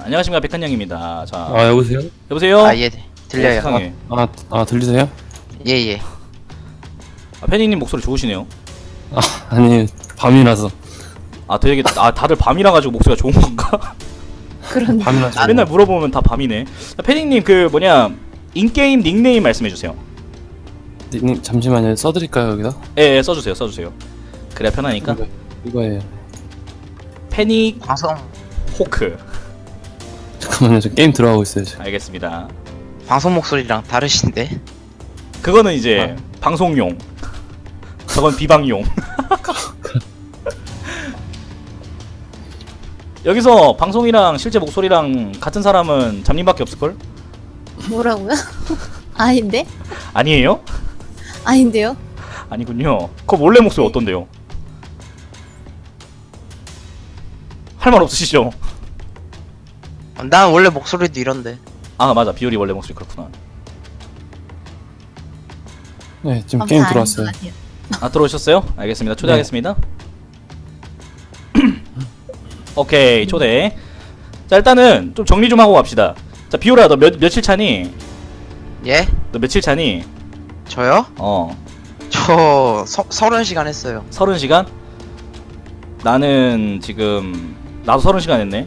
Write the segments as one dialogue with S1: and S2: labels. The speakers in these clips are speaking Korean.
S1: 안녕하십니까, 백한영입니다. 자,
S2: 아 여보세요?
S1: 여보세요?
S3: 아, 예, 들려요.
S1: 세상에.
S2: 들리세요?
S3: 예, 예.
S1: 패닝님 목소리 좋으시네요.
S2: 아니 밤이라서.
S1: 되게 다들 밤이라 가지고 목소리가 좋은 건가?
S4: 그런
S2: 밤이라서.
S1: 맨날 물어보면 다 밤이네. 패닝님 인게임 닉네임 말씀해 주세요.
S2: 님 잠시만요. 써드릴까요 여기다?
S1: 예, 써주세요. 그래야 편하니까.
S2: 이거예요.
S1: 패닉
S3: 방송
S1: 호크.
S2: 잠깐만요. 저 게임 들어가고 있어요 지금.
S1: 알겠습니다.
S3: 방송 목소리랑 다르신데.
S1: 그거는 이제 방송용. 저건 비방용. 여기서 방송이랑 실제 목소리랑 같은 사람은 잠님밖에 없을걸?
S4: 뭐라고요? 아닌데?
S1: 아니에요?
S4: 아닌데요?
S1: 아니군요. 그거 원래 목소리 어떤데요? 할 말 없으시죠?
S3: 난 원래 목소리도 이런데.
S1: 아 맞아, 비율이 원래 목소리 그렇구나.
S2: 네 지금 게임 들어왔어요.
S1: 들어오셨어요? 알겠습니다. 초대하겠습니다. 오케이, 초대. 자, 일단은 좀 정리 좀 하고 갑시다. 자, 비오라, 너 며칠 차니?
S3: 예?
S1: 너 며칠 차니?
S3: 저요? 저 30시간 했어요.
S1: 30시간? 나는 지금 나도 30시간 했네.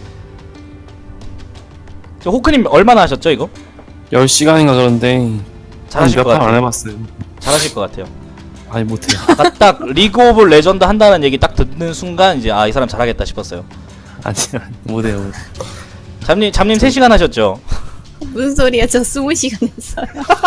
S1: 저 호크님 얼마나 하셨죠 이거?
S2: 10시간인가 그런데
S1: 잘하실 것
S2: 몇판 안
S1: 같아요.
S2: 해봤어요.
S1: 잘하실 것 같아요.
S2: 아니 못해요.
S1: 아까 딱 리그 오브 레전드 한다는 얘기 딱 듣는 순간 이제 이 사람 잘하겠다 싶었어요.
S2: 아니 못해요.
S1: 잠님 3시간 하셨죠?
S4: 무슨 소리야? 저 20시간 했어요.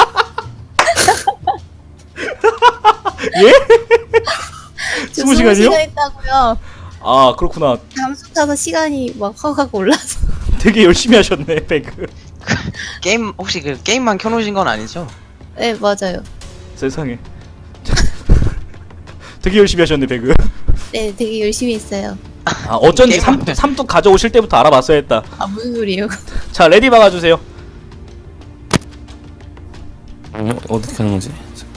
S1: 예?
S4: 저
S1: 20시간이요?
S4: 20시간 했다고요.
S1: 아 그렇구나.
S4: 잠수 타서 시간이 막 확 올라서.
S1: 되게 열심히 하셨네 배그.
S3: 게임 혹시 그 게임만 켜놓으신 건 아니죠?
S4: 네, 맞아요.
S1: 세상에. 되게 열심히 하셨네 배그.
S4: 네, 되게 열심히 했어요.
S1: 어쩐지
S3: 게임만-
S1: 삼뚝 가져오실 때부터 알아봤어야 했다.
S4: 무슨 소리예요?
S1: 자, 레디 박아주세요.
S2: 어떻게 하는 거지?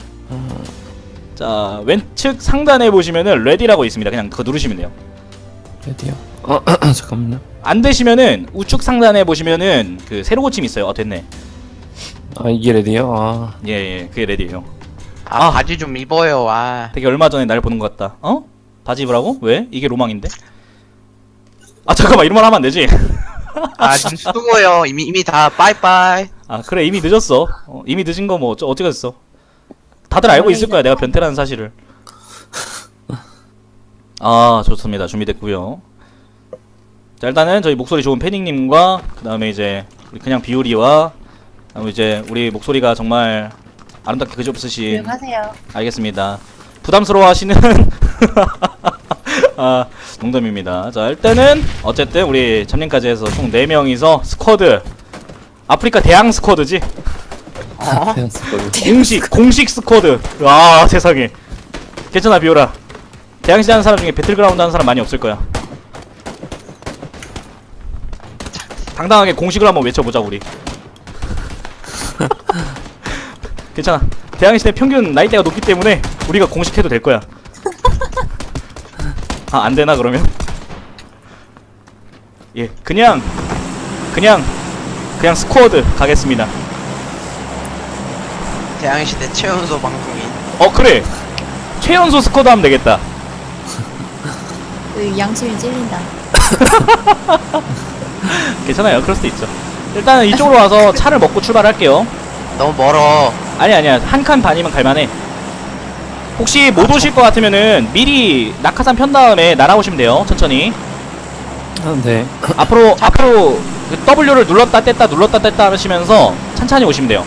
S1: 자, 왼측 상단에 보시면은 레디라고 있습니다. 그냥 그거 누르시면 돼요.
S2: 레디요? 잠깐만요.
S1: 안 되시면은 우측 상단에 보시면은 그 세로 고침 있어요. 됐네.
S2: 이게 레디요?
S1: 예, 그게 레디예요.
S3: 바지 좀 입어요.
S1: 되게 얼마 전에 날 보는 것 같다. 바지 입으라고? 왜? 이게 로망인데? 잠깐만, 이런 말 하면 안 되지.
S3: 좀 수고요. 이미 다 빠이빠이.
S1: 그래, 이미 늦었어. 이미 늦은 거 뭐 어쩌겠어. 다들 알고 있을 거야, 내가 변태라는 사실을. 좋습니다. 준비됐고요. 자, 일단은 저희 목소리 좋은 패닝님과 그 다음에 이제 우리 그냥 비우리와 그다음에 이제 우리 목소리가 정말 아름답게 그지없으신.
S4: 조용하세요.
S1: 알겠습니다. 부담스러워하시는 농담입니다. 자, 일단은 어쨌든 우리 잠님까지 해서 총 4명이서 스쿼드, 아프리카 대항 스쿼드지? 공식 스쿼드. 와, 세상에. 괜찮아, 비오라. 대항시 하는 사람 중에 배틀그라운드 하는 사람 많이 없을 거야. 당당하게 공식을 한번 외쳐보자 우리. 괜찮아. 대항시대 평균 나이대가 높기 때문에 우리가 공식해도 될 거야. 안되나 그러면? 예, 그냥 스쿼드 가겠습니다.
S3: 대항시대 최연소 방송인.
S1: 그래, 최연소 스쿼드 하면 되겠다.
S4: 양심이 찔린다.
S1: 괜찮아요, 그럴 수도 있죠. 일단은 이쪽으로 와서 차를 먹고 출발할게요.
S3: 너무 멀어.
S1: 아니야, 한 칸 반이면 갈만해. 혹시 못 오실 것 같으면은 미리 낙하산 편 다음에 날아오시면 돼요. 천천히.
S2: 네.
S1: 앞으로 그 W를 눌렀다 뗐다 하시면서 천천히 오시면 돼요.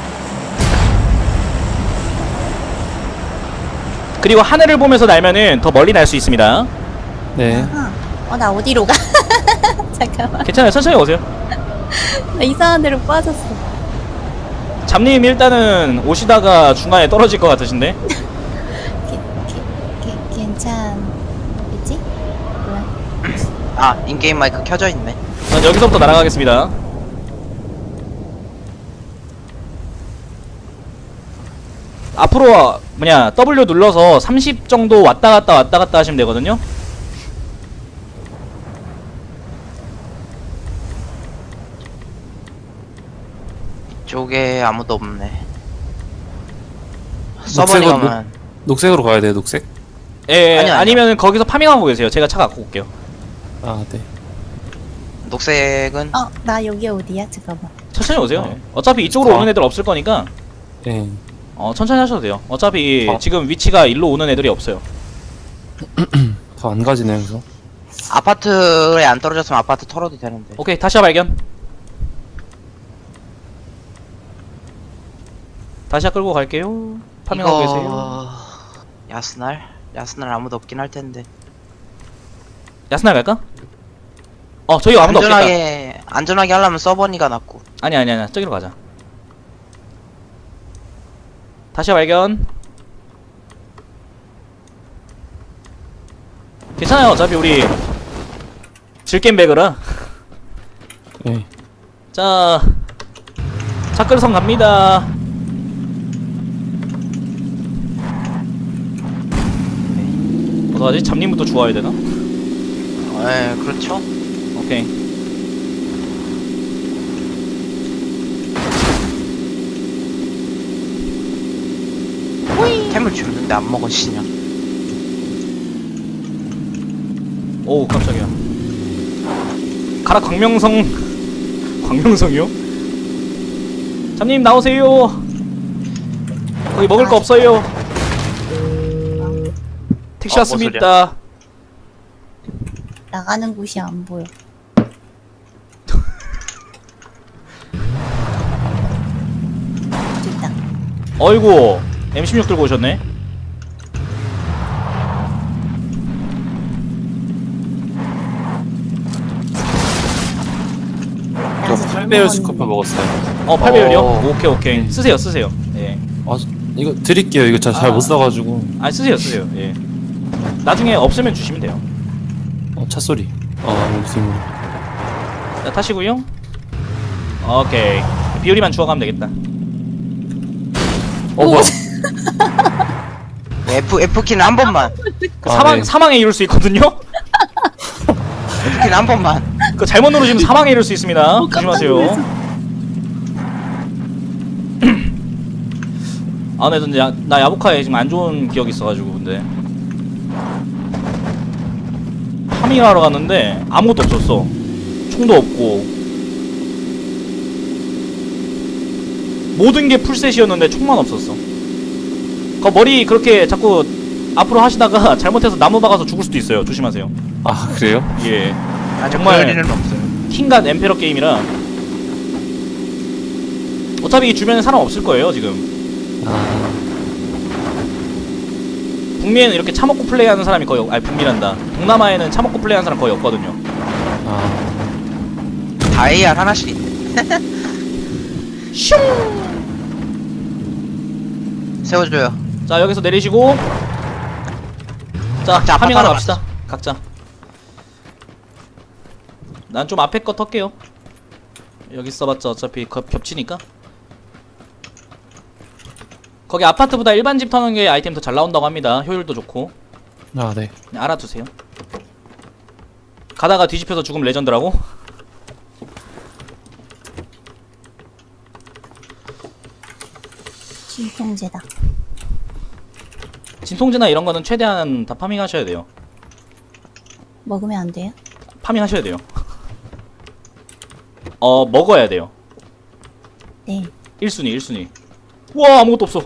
S1: 그리고 하늘을 보면서 날면은 더 멀리 날 수 있습니다.
S2: 네.
S4: 나 어디로 가? 잠깐만.
S1: 괜찮아요, 천천히 오세요.
S4: 나 이상한 데로 빠졌어.
S1: 잠님 일단은 오시다가 중간에 떨어질 것 같으신데.
S4: 괜찮겠지? 뭐야?
S3: 인게임 마이크 켜져 있네.
S1: 여기서부터 날아가겠습니다. 앞으로 W 눌러서 30 정도 왔다 갔다 하시면 되거든요.
S3: 이쪽에 아무도 없네. 서버니
S2: 녹색으로-
S3: 가면
S2: 녹색으로 가야 돼요, 녹색?
S1: 예,
S3: 아니요, 아니요.
S1: 아니면 거기서 파밍하고 계세요. 제가 차 갖고 올게요.
S2: 아, 네.
S3: 녹색은
S4: 나 여기 어디야? 잠깐만.
S1: 천천히 오세요.
S2: 어.
S1: 예. 어차피 이쪽으로
S2: 어.
S1: 오는 애들 없을 거니까
S2: 네.
S1: 천천히 하셔도 돼요. 어차피
S2: 어.
S1: 지금 위치가 일로 오는 애들이 없어요.
S2: 더 안 가지네요, 그래서.
S3: 아파트에 안 떨어졌으면 아파트 털어도 되는데.
S1: 오케이, 다시야 발견. 다시야 끌고 갈게요. 파밍하고 계세요.
S3: 야스날 아무도 없긴 할 텐데.
S1: 야스날 갈까? 저기 아무도 없겠다.
S3: 안전하게 하려면 서버니가 낫고.
S1: 아니야. 저기로 가자. 다시야 발견. 괜찮아요. 어차피 우리 질겜백이라.
S2: 네.
S1: 자, 차끌성 갑니다. 어떡하지? 잡님부터 주워야 되나?
S3: 그렇죠.
S1: 오케이.
S3: 템을 줬는데 안 먹으시냐?
S1: 오우, 깜짝이야. 가라, 광명성이요? 잡님, 나오세요. 거기 먹을 거 없어요. 택시
S3: 뭐
S1: 왔습니다.
S4: 나가는 곳이 안 보여. 됐다.
S1: 어이구, M16 들고 오셨네.
S2: 저 8배열 스코프 먹었어요.
S1: 8배율이요?
S3: 어.
S1: 오케이. 쓰세요. 예.
S2: 아, 이거 드릴게요. 이거 잘 못 써가지고.
S1: 쓰세요. 예. 나중에 없으면 주시면 돼요.
S2: 차 소리. 여기 지금.
S1: 자, 타시고요. 오케이. 비율이만 주워가면 되겠다.
S2: 뭐야?
S3: F키는 한 번만.
S2: 네.
S1: 사망에 이룰 수 있거든요?
S3: F키는 한 번만.
S1: 그 잘못 누르시면 사망에 이룰 수 있습니다. 조심하세요. 근데 나 야부카에 지금 안 좋은 기억이 있어가지고, 근데. 파밍하러 갔는데 아무것도 없었어. 총도 없고. 모든 게 풀셋이었는데 총만 없었어. 그 머리 그렇게 자꾸 앞으로 하시다가 잘못해서 나무 박아서 죽을 수도 있어요. 조심하세요.
S2: 아, 그래요?
S1: 예.
S3: 정말
S1: 정말
S3: 일은 없어요.
S1: 킹갓 엠페러 게임이라 어차피 이 주변에 사람 없을 거예요 지금. 북미에는 이렇게 차먹고 플레이하는 사람이 거의 북미란다. 동남아에는 차먹고 플레이하는 사람 거의 없거든요.
S3: 다 AR 하나씩 있네.
S1: 슝!
S3: 세워줘요.
S1: 자, 여기서 내리시고 자,
S3: 각자
S1: 파밍하러
S3: 아파트
S1: 갑시다. 각자. 난 좀 앞에 거 털게요. 여기 써봤자 어차피 겹치니까. 거기 아파트보다 일반 집 터는 게 아이템 더 잘 나온다고 합니다. 효율도 좋고.
S2: 네.
S1: 그냥 알아두세요. 가다가 뒤집혀서 죽으면 레전드라고?
S4: 진통제다.
S1: 진통제나 이런 거는 최대한 다 파밍하셔야 돼요.
S4: 먹으면 안 돼요?
S1: 파밍하셔야 돼요. 먹어야 돼요.
S4: 네.
S1: 1순위. 우와, 아무것도 없어.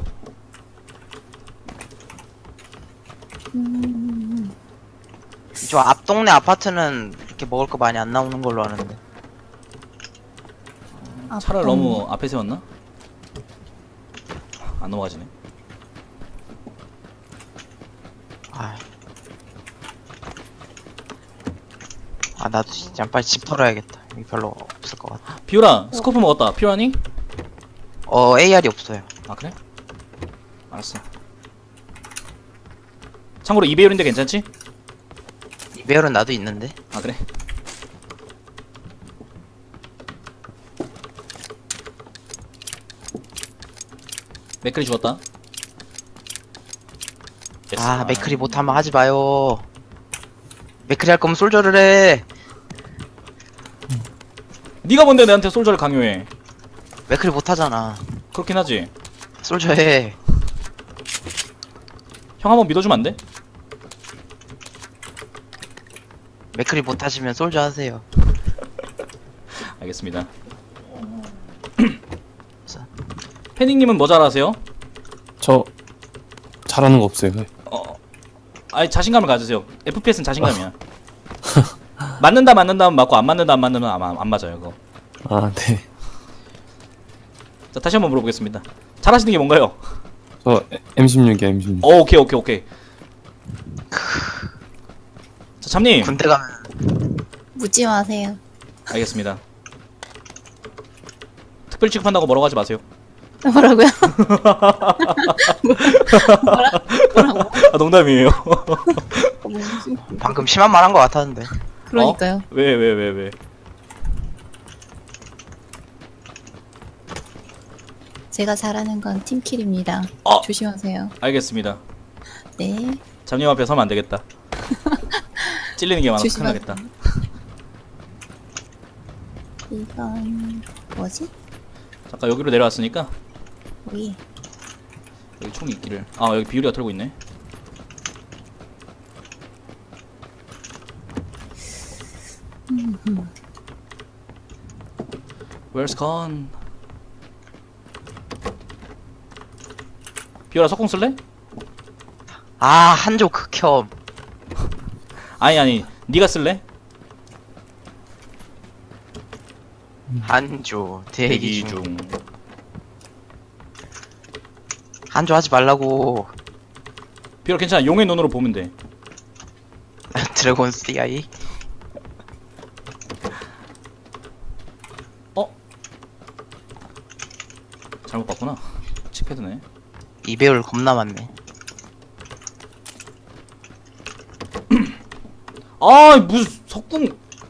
S3: 저 앞 동네 아파트는 이렇게 먹을 거 많이 안 나오는 걸로 아는데.
S1: 차를 너무 앞에 세웠나? 안 넘어가지네.
S3: 나도 진짜 빨리 집 털어야겠다. 여기 별로 없을 것 같아.
S1: 비오라, 스코프 먹었다. 필요하니?
S3: AR이 없어요.
S1: 아, 그래? 알았어. 참고로 2배율인데 괜찮지?
S3: 이 배열은 나도 있는데.
S1: 아, 그래? 맥클이 죽었다. 됐어.
S3: 맥크리 못하면 하지 마요. 맥크리 할 거면 솔저를 해.
S1: 네가 뭔데 내한테 솔저를 강요해?
S3: 맥클이 못하잖아.
S1: 그렇긴 하지.
S3: 솔저 해.
S1: 형 한번 믿어주면 안 돼?
S3: 맥클이 못하시면 솔저 하세요.
S1: 알겠습니다. 패닝님은 뭐 잘하세요?
S2: 저 잘하는 거 없어요.
S1: 아니 자신감을 가지세요. FPS는 자신감이야. 맞는다 하면 맞고 안 맞는다 하면 안 맞아요 그거.
S2: 아, 네.
S1: 자 다시 한번 물어보겠습니다. 잘하시는 게 뭔가요?
S2: 저 M16이요, M16.
S1: 오케이. 자 잠님.
S3: 군대 가면
S4: 묻지 마세요.
S1: 알겠습니다. 특별 취급한다고 뭐라고 하지 마세요.
S4: 뭐라고요? 뭐라고?
S1: 아 농담이에요.
S3: 방금 심한 말 한 거 같았는데.
S4: 그러니까요.
S1: 왜?
S4: 제가 잘하는 건 팀킬입니다. 조심하세요.
S1: 알겠습니다.
S4: 네.
S1: 잠님 앞에 서면 안 되겠다. 찔리는 게 많아서 큰일
S4: 조심하세요.
S1: 나겠다.
S4: 이건 뭐지?
S1: 잠깐 여기로 내려왔으니까
S4: 여기.
S1: 여기 총이 있기를. 아 여기 비율이가 털고 있네. Where's gone? 비율아 석궁 쓸래?
S3: 아, 한조 극혐.
S1: 아니 네가 쓸래?
S3: 한조 대기 중.
S1: 중.
S3: 한조 하지 말라고.
S1: 비율아 괜찮아. 용의 눈으로 보면 돼.
S3: 드래곤 CI.
S1: 잘못 봤구나. 칩패드네.
S3: 이배율 겁나 많네.
S1: 아 무슨 석궁.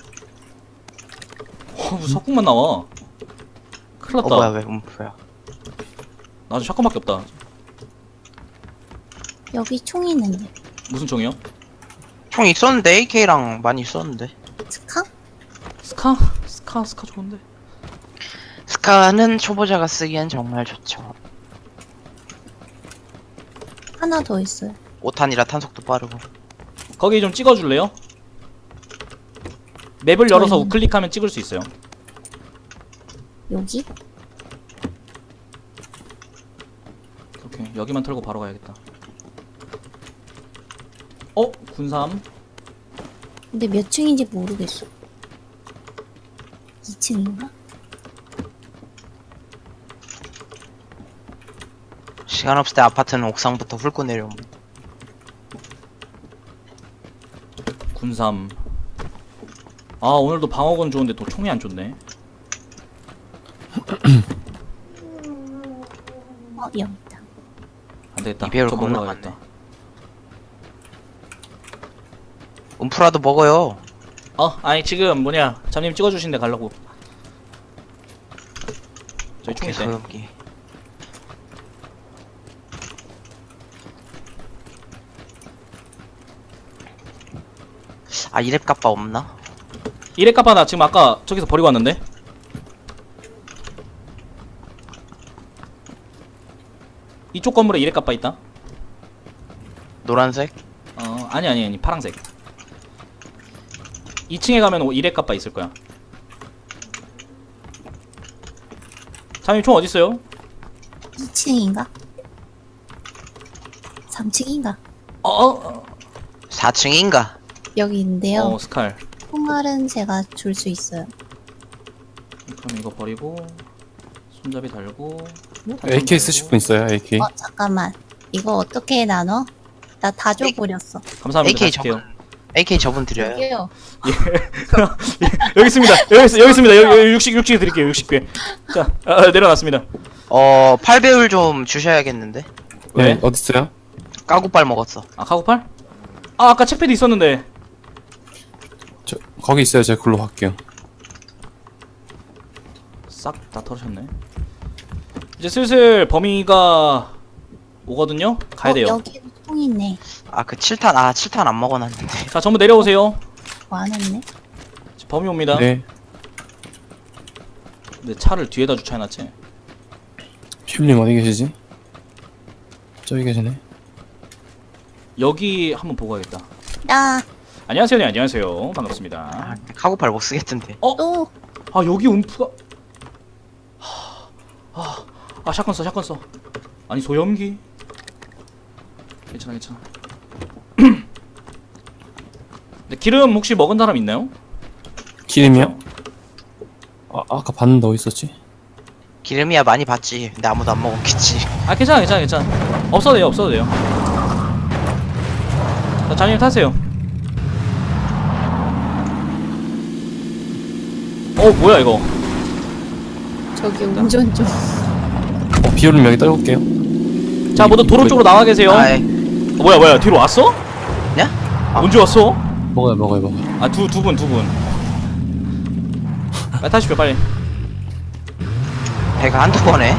S1: 무슨 석궁만 나와. 큰일 났다.
S3: 뭐야 왜 음프야.
S1: 나도 샷건밖에 없다.
S4: 여기 총 있는데.
S1: 무슨 총이요?
S3: 총 있었는데 AK랑 많이 있었는데.
S4: 스카?
S1: 스카 좋은데.
S3: 스카는 초보자가 쓰기엔 정말 좋죠.
S4: 하나 더 있어요.
S3: 5탄이라 탄속도 빠르고.
S1: 거기 좀 찍어줄래요? 맵을 열어서
S4: 저희는-
S1: 우클릭하면 찍을 수 있어요.
S4: 여기?
S1: 오케이 여기만 털고 바로 가야겠다. 군삼.
S4: 근데 몇 층인지 모르겠어. 2층인가?
S3: 시간 없을 때 아파트는 옥상부터 훑고 내려옴.
S1: 군삼. 아 오늘도 방어건 좋은데 또 총이 안 좋네.
S4: 여기 있다.
S1: 안 되겠다.
S3: 이배율
S1: 저
S3: 겁나
S1: 먹으러 가야겠다.
S3: 음프라도 먹어요.
S1: 아니 지금 뭐냐 잠님 찍어주신데 가려고. 저기 총
S3: 오케이,
S1: 있대.
S3: 소염기. 아, 이랩 kap바 없나?
S1: 이래 까봐 나 지금 아까 저기서 버리고 왔는데. 이쪽 건물에 이래 까봐 있다.
S3: 노란색?
S1: 아니 파랑색. 2층에 가면 이래 까봐 있을 거야. 잠님 총 어딨어요?
S4: 2층인가? 3층인가?
S3: 4층인가?
S4: 여기 있는데요.
S1: 스칼.
S4: 총알은 제가 줄 수 있어요.
S1: 그럼 이거 버리고 손잡이 달고
S2: AK 쓰실 분 있어요, AK?
S4: 잠깐만. 이거 어떻게 나눠? 나 다 줘버렸어.
S1: 감사합니다.
S3: AK
S1: 다시 할게요.
S3: AK 저분 드려요.
S4: 여기요.
S1: 여기 있습니다. 여기 있습니다. 여기 60 드릴게요. 60개. 자, 내려놨습니다.
S3: 8배율 좀 주셔야겠는데.
S1: 왜?
S2: 네, 어딨어요?
S3: 까구빨 먹었어.
S1: 카고팔? 아까 책패드 있었는데.
S2: 저, 거기 있어요. 제가 글로 갈게요.
S1: 싹 다 털으셨네. 이제 슬슬 범위가 오거든요. 가야 돼요.
S4: 여기 총 있네.
S3: 그 7탄 안 먹어놨는데.
S1: 자, 전부 내려오세요.
S4: 안 왔네.
S1: 범위 옵니다.
S2: 네.
S1: 근데 차를 뒤에다 주차해놨지.
S2: 퓨님 어디 계시지? 저기 계시네.
S1: 여기 한번 보고 가겠다.
S4: 나
S1: 안녕하세요. 네, 안녕하세요. 반갑습니다.
S3: 카고팔 못 쓰겠던데.
S4: 또
S1: 아 여기 움프가 샷건 써 샷건 써. 아니 소염기. 괜찮아 괜찮아. 근데 기름 혹시 먹은 사람 있나요?
S2: 기름이요? 아까 봤는데 어디 있었지?
S3: 기름이야 많이 봤지. 근데 아무도 안 먹었겠지.
S1: 아 괜찮아 괜찮아 괜찮아. 없어도 돼요 없어도 돼요. 자 장님 타세요. 뭐야 이거.
S4: 저기 운전 좀.
S2: 비율은 여기 떨굴게요.
S1: 자 모두 도로 쪽으로 나와 계세요.
S3: 아이,
S1: 뭐야 뒤로 왔어?
S3: 냐?
S1: 언제 왔어?
S2: 먹어요.
S1: 아 두 분. 빨리 타십시오 빨리.
S3: 배가 한두 번에.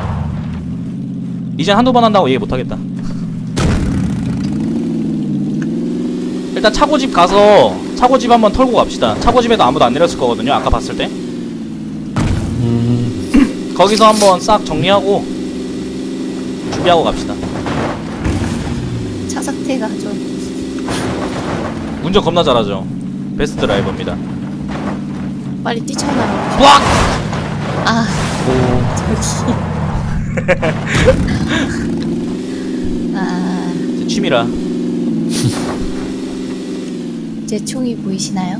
S1: 이젠 한두 번 한다고 얘기 못하겠다. 일단 차고집 가서 차고집 한번 털고 갑시다. 차고집에도 아무도 안 내렸을 거거든요 아까 봤을 때. 거기서 한번 싹 정리하고 준비하고 갑시다.
S4: 차 상태가 좀.
S1: 운전 겁나 잘하죠. 베스트 드라이버입니다.
S4: 빨리 뛰쳐나가.
S1: 뿌악!
S4: 아 저기. 아,
S1: 제 취미라.
S4: 제 총이 보이시나요?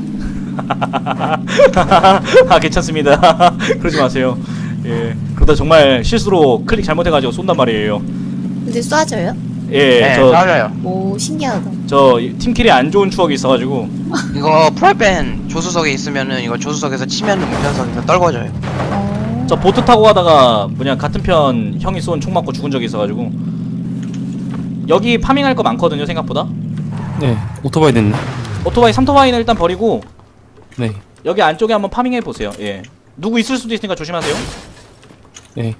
S1: 아 괜찮습니다. 그러지 마세요. 예 그러다 정말 실수로 클릭 잘못해가지고 쏜단 말이에요.
S4: 근데 쏴져요?
S1: 예
S3: 네,
S1: 저
S3: 맞아요.
S4: 오 신기하다.
S1: 팀킬이 안 좋은 추억이 있어가지고.
S3: 이거 프라이팬 조수석에 있으면은 이거 조수석에서 치면은 운전석에서 떨궈져요.
S1: 저 보트 타고 가다가 같은 편 형이 쏜 총 맞고 죽은 적이 있어가지고. 여기 파밍할 거 많거든요 생각보다.
S2: 네, 오토바이 됐네.
S1: 오토바이 3토바이는 일단 버리고
S2: 네,
S1: 여기 안쪽에 한번 파밍해 보세요. 예 누구 있을 수도 있으니까 조심하세요.
S2: 네.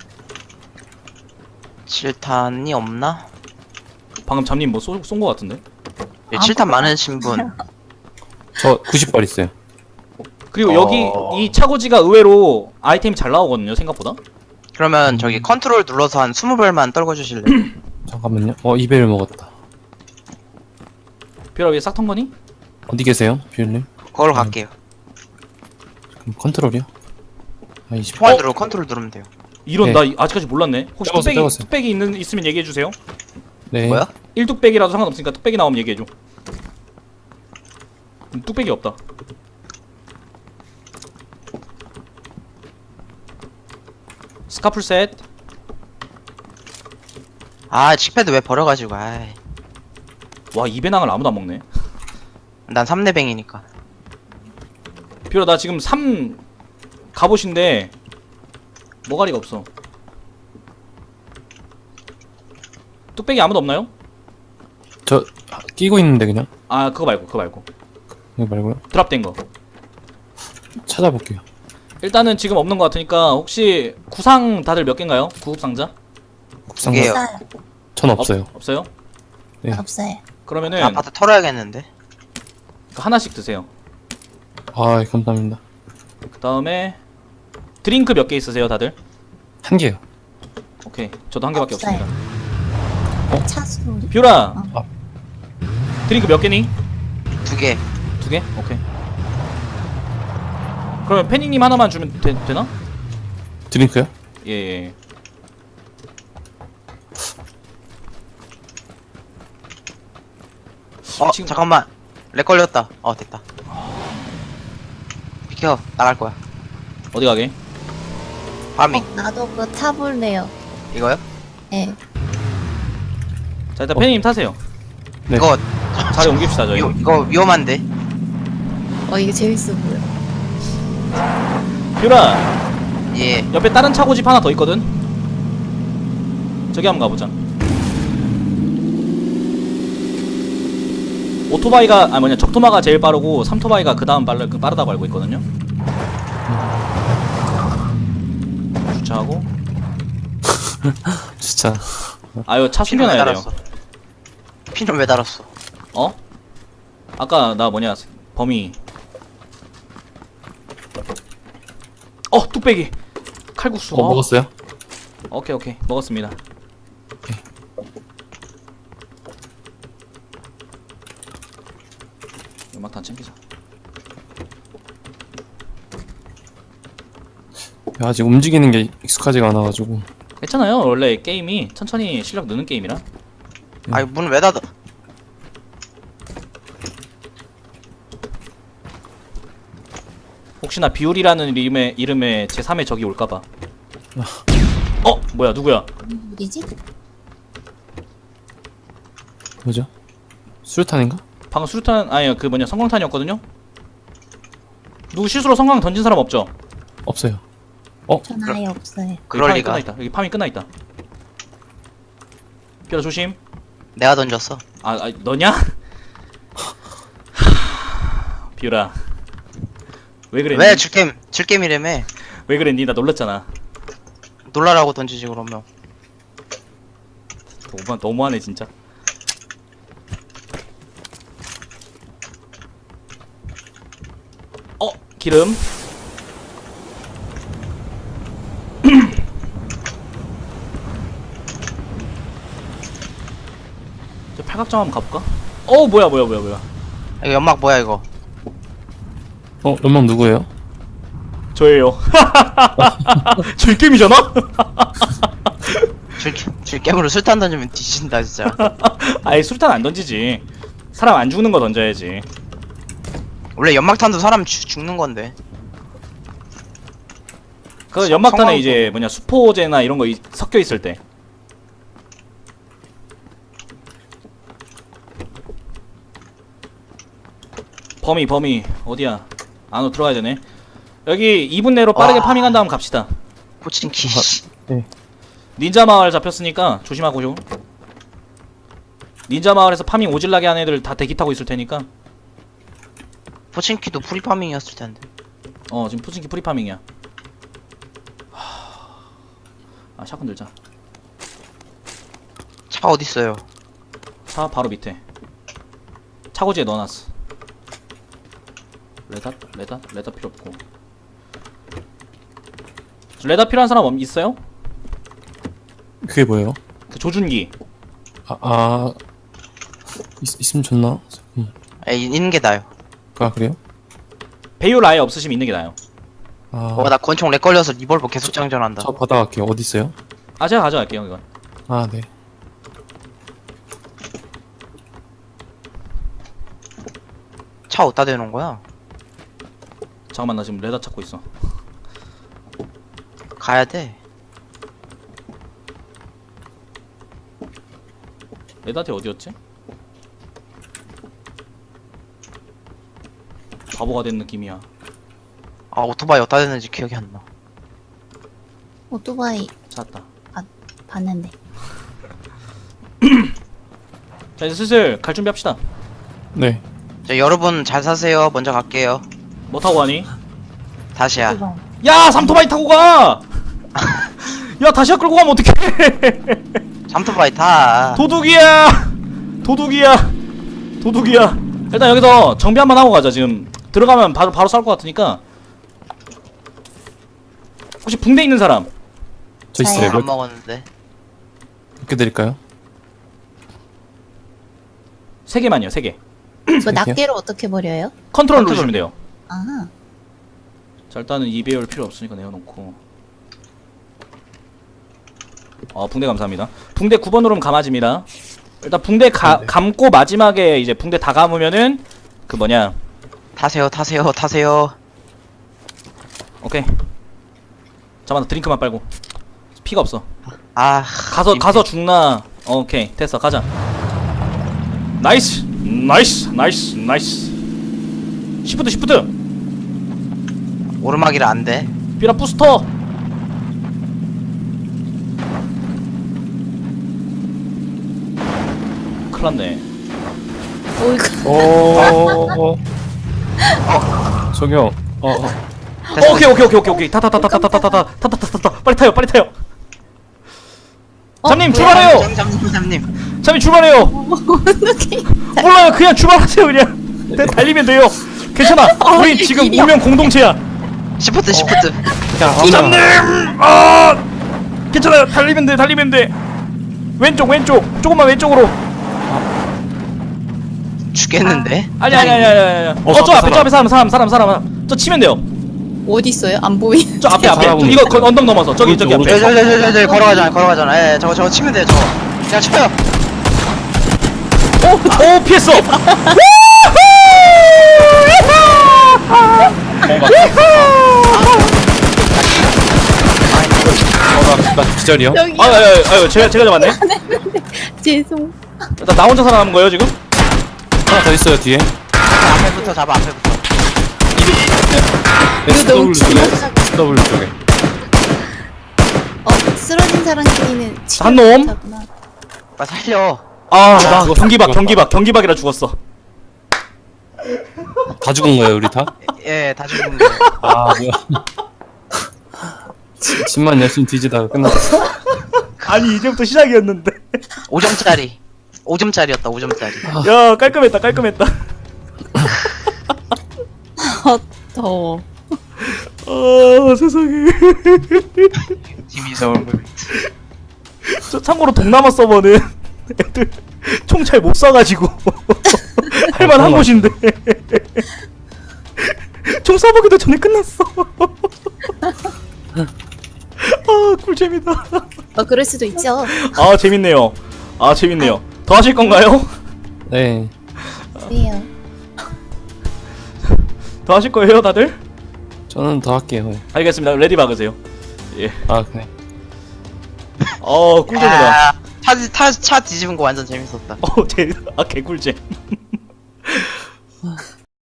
S3: 7탄이 없나?
S1: 방금 잠님 뭐 쏜 거 같은데.
S3: 예, 7탄 많으신 분.
S2: 저 90발 있어요.
S1: 그리고 여기 이 차고지가 의외로 아이템이 잘 나오거든요 생각보다.
S3: 그러면 저기 컨트롤 눌러서 한 20발만 떨궈주실래요?
S2: 잠깐만요. 2배를 먹었다.
S1: 뷰라 위에 싹 턴 거니?
S2: 어디 계세요, 퓨님?
S3: 그걸로 갈게요.
S2: 그럼 컨트롤이요? 20.
S3: 총알 누르고 컨트롤 누르면 돼요.
S1: 이런
S2: 네.
S1: 나 아직까지 몰랐네. 혹시
S2: 적었어요, 적었어요.
S1: 뚝배기 있으면 얘기해 주세요.
S2: 네.
S3: 뭐야?
S1: 1뚝배기라도 상관없으니까 뚝배기 나오면 얘기해 줘. 뚝배기 없다. 스카풀 셋.
S3: 아, 칙패드 왜 버려가지고, 아이.
S1: 와, 이 배낭을 아무도 안 먹네.
S3: 난 3레뱅이니까.
S1: 뷰라 나 지금 3 갑옷인데 머가리가 없어. 뚝배기 아무도 없나요?
S2: 저 끼고 있는데 그냥.
S1: 아 그거 말고
S2: 이거 말고요.
S1: 드랍된 거.
S2: 찾아볼게요.
S1: 일단은 지금 없는 것 같으니까 혹시 구상 다들 몇 개인가요? 구급 상자?
S2: 국상.
S3: 이게요.
S4: 없어요.
S2: 전 없어요.
S1: 없어요?
S2: 네.
S4: 없어요.
S1: 그러면은
S3: 아파트 털어야겠는데.
S1: 하나씩 드세요.
S2: 아, 감사합니다.
S1: 그 다음에 드링크 몇 개 있으세요 다들?
S2: 한 개요.
S1: 오케이 저도 한 개밖에
S4: 없어요.
S1: 없습니다.
S4: 차 소리.
S1: 뷰라
S2: 어.
S1: 드링크 몇 개니?
S3: 2개.
S1: 2개? 오케이. 그러면 패닝님 하나만 주면 되나?
S2: 드링크요?
S1: 예. 지금-
S3: 잠깐만. 렉 걸렸다. 됐다. 비켜. 나갈 거야.
S1: 어디 가게?
S3: 파밍.
S4: 나도 그거 타볼래요.
S3: 이거요?
S4: 예.
S1: 자 일단 패닝님 타세요.
S2: 네.
S3: 이거,
S1: 자리 옮깁시다 저희.
S3: 이거 위험한데.
S4: 이게 재밌어 보여.
S1: 뷰라
S3: 예.
S1: 옆에 다른 차고집 하나 더 있거든? 저기 한번 가보자. 오토바이가 적토마가 제일 빠르고 3토바이가 그 다음 빠르다고 알고 있거든요. 주차하고.
S2: 진짜.
S1: 아유 차
S3: 피는 왜
S1: 숨겨놔야 돼요.
S3: 달았어? 피는 왜 달았어?
S1: 어? 아까 나 범위. 뚝배기 칼국수.
S2: 먹었어요?
S1: 오케이 오케이 먹었습니다. 연막탄 챙기자.
S2: 야, 아직 움직이는 게 익숙하지가 않아가지고.
S1: 괜찮아요. 원래 게임이 천천히 실력 느는 게임이라.
S3: 아이 문 왜 닫아?
S1: 혹시나 비율이라는 이름에 제3의 적이 올까봐. 뭐야 누구야?
S4: 어디지?
S2: 뭐죠? 수류탄인가?
S1: 방금 수류탄 아니요 그 뭐냐 성광탄이었거든요. 누구 실수로 성광 던진 사람 없죠?
S2: 없어요.
S4: 전 아예 없어요.
S3: 그럴
S1: 여기 파밍
S3: 리가.
S1: 끝나있다. 여기 파밍 끝나있다. 뼈라 조심.
S3: 내가 던졌어.
S1: 너냐? 비율아 왜 그랬니?
S3: 왜 질겜이라며?
S1: 왜 그랬니? 나 놀랐잖아.
S3: 놀라라고 던지지 그러면.
S1: 너무하네 진짜. 기름. 저 팔각정 한번 가볼까? 뭐야.
S3: 이거 연막 뭐야 이거?
S2: 연막 누구예요?
S1: 저예요. 질겜이잖아?
S3: 질겜으로 술탄 던지면 뒤진다 진짜.
S1: 아예 술탄 안 던지지. 사람 안 죽는 거 던져야지.
S3: 원래 연막탄도 사람 죽는 건데.
S1: 그 연막탄에
S3: 성황-
S1: 이제 뭐냐 수포제나 이런 거 섞여 있을 때. 범위 어디야? 안으로 들어가야 되네. 여기 2분 내로 빠르게
S3: 와.
S1: 파밍한 다음 갑시다.
S3: 포친키.
S1: 닌자 마을 잡혔으니까 조심하고요. 닌자 마을에서 파밍 오질나게 한 애들 다 대기 타고 있을 테니까.
S3: 포친키도 프리파밍이었을 텐데.
S1: 지금 푸진키 프리파밍이야. 샷건 들자.
S3: 차 어디 있어요?
S1: 차 바로 밑에. 차고지에 넣어놨어. 레다 필요 없고. 레다 필요한 사람 있어요?
S2: 그게 뭐예요?
S1: 그 조준기.
S2: 있으면 좋나?
S3: 있는 게 나요.
S2: 그래요?
S1: 배율 아예 없으시면 있는 게 나아요.
S3: 나 권총 렉 걸려서 리볼버 계속 장전한다.
S2: 저 받아갈게요. 어디 있어요?
S1: 제가 가져갈게요 이건.
S2: 네.
S3: 차 어디다 대놓은 거야?
S1: 잠깐만 나 지금 레다 찾고 있어.
S3: 가야 돼.
S1: 레다티 어디였지? 바보가 된 느낌이야.
S3: 오토바이 어디다 대는지 기억이 안 나.
S4: 오토바이
S1: 찾았다.
S4: 봤는데.
S1: 자 이제 슬슬 갈 준비합시다.
S2: 네.
S3: 여러분 잘 사세요. 먼저 갈게요.
S1: 뭐 타고 가니?
S3: 다시야.
S4: 오토바이.
S1: 야 삼토바이 타고 가! 야 다시야 끌고 가면 어떡해.
S3: 잠토바이 타.
S1: 도둑이야. 일단 여기서 정비 한번 하고 가자. 지금 들어가면 바로 싸울 것 같으니까. 혹시 붕대 있는 사람?
S2: 저
S4: 저요.
S2: 있어요.
S3: 안 먹었는데.
S2: 몇 개 드릴까요?
S1: 3개만요 3개.
S4: 그 낱개로 어떻게 버려요?
S1: 컨트롤 누르시면 돼요.
S4: 아,
S1: 자 일단은 2배율 필요 없으니까 내어놓고. 붕대 감사합니다. 붕대 9번 누르면 감아집니다. 일단 붕대 감고 마지막에 이제 붕대 다 감으면은 그 뭐냐.
S3: 타세요.
S1: 오케이. 잠깐만 드링크만 빨고. 피가 없어. 가서
S3: 가서
S1: 죽나. 오케이 됐어 가자. 나이스. 시프트.
S3: 오르막이라 안 돼.
S1: 삐라 부스터. 큰일났네.
S4: 어이구.
S2: 저기요.
S1: 오케이. 타타타타타타타타타타타타타. 빨리 타요. 잠님 출발해요. 잠님 출발해요.
S4: 어떻게?
S1: 몰라요. 그냥 출발하세요 그냥. 달리면 돼요. 괜찮아. 우린 지금
S4: 일이야.
S1: 무명 공동체야.
S3: 시프트.
S2: 그냥
S1: 잠님. 괜찮아요. 달리면 돼. 달리면 돼. 왼쪽 왼쪽. 조금만 왼쪽으로.
S3: 죽겠는데?
S1: 아니. 저 앞에 사람. 저 치면 돼요.
S4: 어디 있어요? 안 보이.
S1: 저 앞에
S2: 살아보고
S1: 이거
S2: 있어요.
S1: 언덕 넘어서 저기
S2: 오른쪽,
S1: 앞에.
S2: 오른쪽.
S3: 저 걸어가잖아. 예, 저거 치면 돼요, 저거. 그냥 쳐요.
S1: 오 피했어.
S2: 나 기절이요?
S4: 여기.
S1: 아유 제가 잡았네.
S4: 죄송.
S1: 나 혼자 살아남은 거예요 지금?
S2: 하나 더 있어요 뒤에.
S3: 앞에부터 잡아, 앞에부터.
S2: SW 쪽에.
S4: 주먹-
S2: SW 쪽에.
S4: 쓰러진 사람끼리는
S1: 한 놈?
S4: 못하구나.
S3: 빨리 살려.
S1: 나 경기박이라 죽었어.
S2: 다 죽은 거예요 우리 다?
S3: 예, 다 죽는 거.
S2: 아 뭐야. 집만 열심히 뒤지다가 끝났어.
S1: 아니 이제부터 시작이었는데.
S3: 5점짜리. 5점짜리였다, 5점짜리.
S1: 야 깔끔했다.
S4: 더워.
S1: 세상에.
S3: 재미있어, 얼굴.
S1: 저 참고로 동남아 서버는 애들 총 잘 못 쏴가지고 할만한 곳인데 총 쏴보기도 전에 끝났어. 꿀잼이다.
S4: 그럴 수도 있죠.
S1: 재밌네요. 더 하실 건가요?
S2: 네.
S4: 그래요.
S1: 더 하실 거예요 다들?
S2: 저는 더 할게요.
S1: 알겠습니다. 레디 박으세요. 예.
S2: 아 그래.
S1: 꿀잼이다.
S3: 차 뒤집은 거 완전 재밌었다.
S1: 개꿀잼.